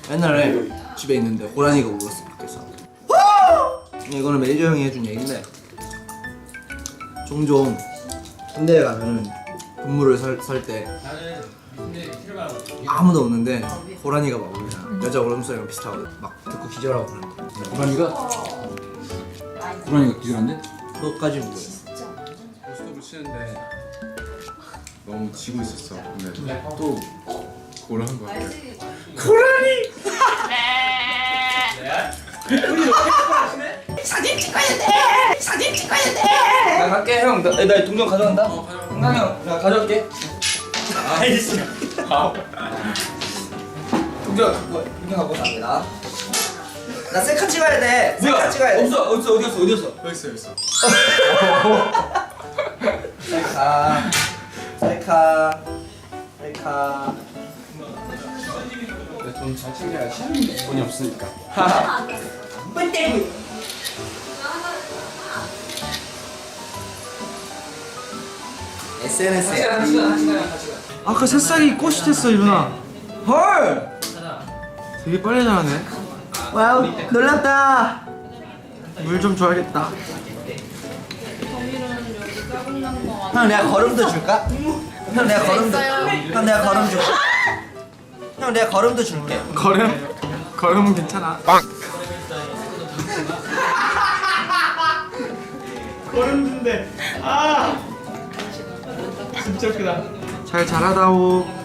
옛날에 집에 있는데 호랑이가 울었어 밖에서. 이거는 매니저 형이 해준 얘기인데 종종 군대에 가면 근무를 살 때 아무도 없는데 호랑이가 막 울잖아. 여자 울음소리랑 비슷하거든. 막 듣고 기절하고 그러는데 고라니가 기절한데? 그것까지 모르겠어. 스톱을 치는데 너무 지고 있었어. 근데 또 그걸 한 거야. 사진 찍어야 돼. 사진 찍어야 돼. 나 갈게 형. 나 동전 가져간다. 형남 형, 나 가져올게. 아이씨. 동전 갖고 갑니다. 나 셀카 찍어야 돼. 셀카 찍어야 돼. 없어. 어디였어? 여기 있어, 여기 있어. 셀카. 돈 잘 챙겨야지. 돈이 없으니까. 뭘 때리고? SNS에. 아까 새싹이 꽃이 됐어 이누나. 헐. 되게 빨리 자라네. 와우, 놀랍다. 물 좀 줘야겠다. 형 내가 걸음도 줄까? 형 내가 걸음도. 형 내가 걸음 줄게. 형 내가 걸음도 줄게. 걸음은 괜찮아. 걸음 준대. 아 진짜 크다. 잘 자라다오.